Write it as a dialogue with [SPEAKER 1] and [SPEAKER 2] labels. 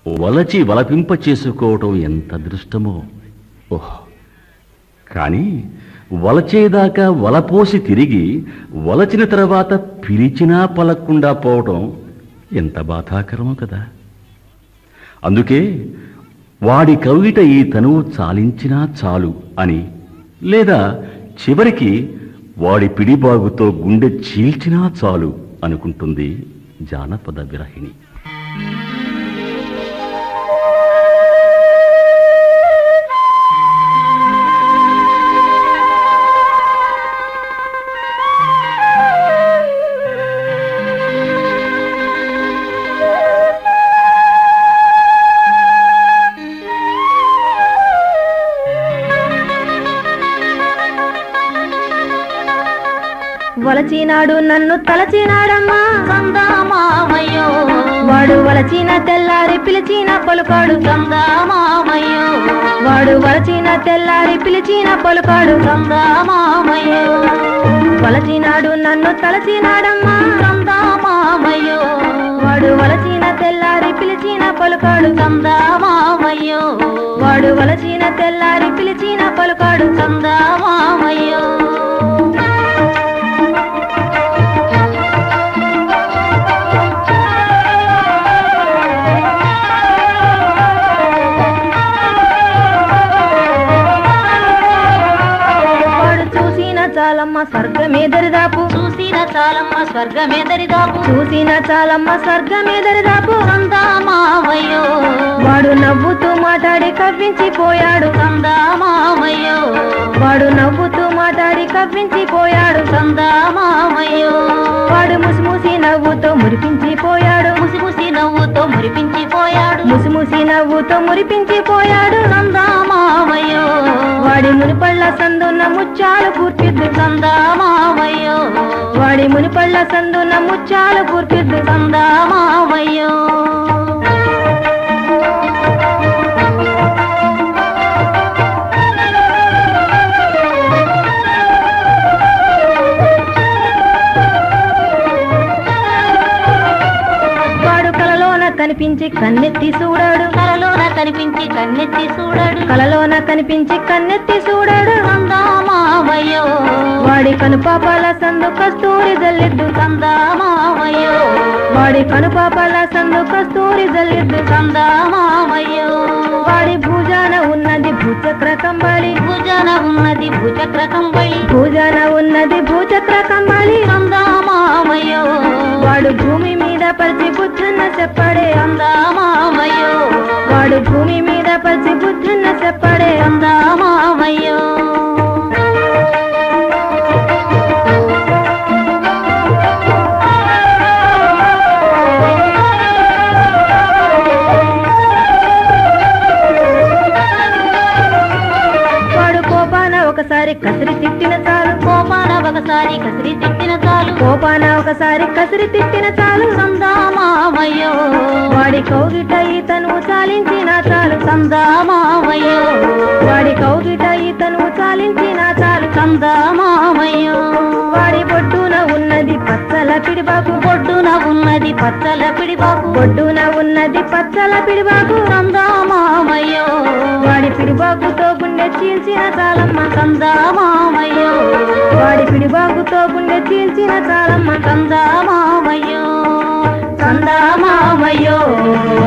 [SPEAKER 1] వలచి వలపింప చేసుకోవటం ఎంత అదృష్టమో. ఓహ్, కానీ వలచేదాకా వలపోసి తిరిగి వలచిన తర్వాత పిలిచినా పలక్కుండా పోవటం ఎంత బాధాకరమో కదా. అందుకే వాడి కవిట ఈ తనువు చాలించినా చాలు అని, లేదా చివరికి వాడి పిడిబాగుతో గుండె చీల్చినా చాలు అనుకుంటుంది జానపద విరహిణి.
[SPEAKER 2] వలచినాడు నన్ను తలచినాడమ్మా
[SPEAKER 3] సందామామయ్యో,
[SPEAKER 2] వాడు వలచిన తెల్లారి పిలిచిన పలుకాడు
[SPEAKER 3] సందామామయ్యో,
[SPEAKER 2] వాడు వలచిన తెల్లారి పిలిచిన పలుకాడు
[SPEAKER 3] సందామామయ్యో,
[SPEAKER 2] వలచినాడు నన్ను తలచినాడమ్మా
[SPEAKER 3] సందామామయ్యో,
[SPEAKER 2] వాడు వలచిన తెల్లారి పిలిచిన పలుకాడు
[SPEAKER 3] సందామామయ్యో,
[SPEAKER 2] వాడు వలచిన తెల్లారి పిలిచిన పలుకాడు
[SPEAKER 3] సందామామయ్యో.
[SPEAKER 2] చాలమ్మ స్వర్గమే దరిదాపు,
[SPEAKER 3] చూసిన చాలమ్మ స్వర్గమే దరిదాపు,
[SPEAKER 2] చూసిన చాలమ్మ స్వర్గమే దరిదాపు.
[SPEAKER 3] సందామామయ్యో,
[SPEAKER 2] వాడు నవ్వుతూ మాట్లాడి కవ్వించిపోయాడు
[SPEAKER 3] సందామామయ్యో,
[SPEAKER 2] వాడు నవ్వుతూ మాట్లాడి కవ్వించిపోయాడు
[SPEAKER 3] సందామామయ్యో,
[SPEAKER 2] వాడు ముసిముసి నవ్వుతో మురిపించిపోయాడు
[SPEAKER 3] ముసిముసి నవ్వుతో మురిపించిపోయాడు,
[SPEAKER 2] ముసిముసి నవ్వుతో మురిపించిపోయాడు
[SPEAKER 3] సందామామయ్యో,
[SPEAKER 2] వాడి మునిపళ్ళ సందున్న ముచ్చాలు కూర్పిద్దు
[SPEAKER 3] సందామామయ్యో,
[SPEAKER 2] వాడి మునిపళ్ళ సందున్న ముచ్చాలు కూర్పిద్దు
[SPEAKER 3] సందామామయ్యో.
[SPEAKER 2] వాడు కలలోన కనిపించి కన్నెత్తి చూడాడు,
[SPEAKER 3] కలలోన కనిపించి కన్నెత్తి చూడాడు,
[SPEAKER 2] కలలోన కనిపించి కన్నెత్తి చూడాడు
[SPEAKER 3] సందామామయ్యో,
[SPEAKER 2] వాడి కనుపాపాల సందు కస్తూరి జల్లిద్దు
[SPEAKER 3] సందామామయ్యో,
[SPEAKER 2] వాడి కనుపాపాల సందు కస్తూరి జల్లిద్దు
[SPEAKER 3] సందామామయ్యో,
[SPEAKER 2] వాడి భుజాన ఉన్నది భూచక్ర కంబళి,
[SPEAKER 3] భుజన ఉన్నది భుజక్ర కంబళి,
[SPEAKER 2] భుజాన ఉన్నది భూచక్ర కంబళి.
[SPEAKER 3] సందామామయ్యో,
[SPEAKER 2] వాడు భూమి మీద పరిచి బుద్ధున్న చెప్పడే
[SPEAKER 3] సందామామయ్యో,
[SPEAKER 2] వాడు భూమి మీద పరిచి బుద్ధున్న చెప్పడే
[SPEAKER 3] సందామామయ్యో.
[SPEAKER 2] వాడు కోపాన ఒకసారి కసిరి తిట్టిన చాలు,
[SPEAKER 3] కోపాన ఒకసారి కసిరి తిట్టిన చాలు,
[SPEAKER 2] కోపాన ఒకసారి కసిరి తిట్టిన చాలు.
[SPEAKER 3] సందామామయ్యో,
[SPEAKER 2] వాడి కౌగిట ఈతను చాలించిన చాలు,
[SPEAKER 3] సందామామయ్యో,
[SPEAKER 2] వాడి కౌగిట ఈతను చాలించిన చాలు.
[SPEAKER 3] సందామామయ్యో,
[SPEAKER 2] వాడి బొడ్డున ఉన్నది పచ్చల పిడిబాకు,
[SPEAKER 3] బొడ్డున ఉన్నది పచ్చల పిడిబాకు,
[SPEAKER 2] బొడ్డున ఉన్నది పచ్చల పిడిబాకు.
[SPEAKER 3] సందామామయ్యో,
[SPEAKER 2] వాడి పిడిబాకుతో గుండె చీల్చిన చాలమ్మ,
[SPEAKER 3] సందామామయ్యో,
[SPEAKER 2] వాడి పిడిబాకుతో గుండె చీల్చిన చాలమ్మ.
[SPEAKER 3] సందామామయ్యో, సందామామయ్యో.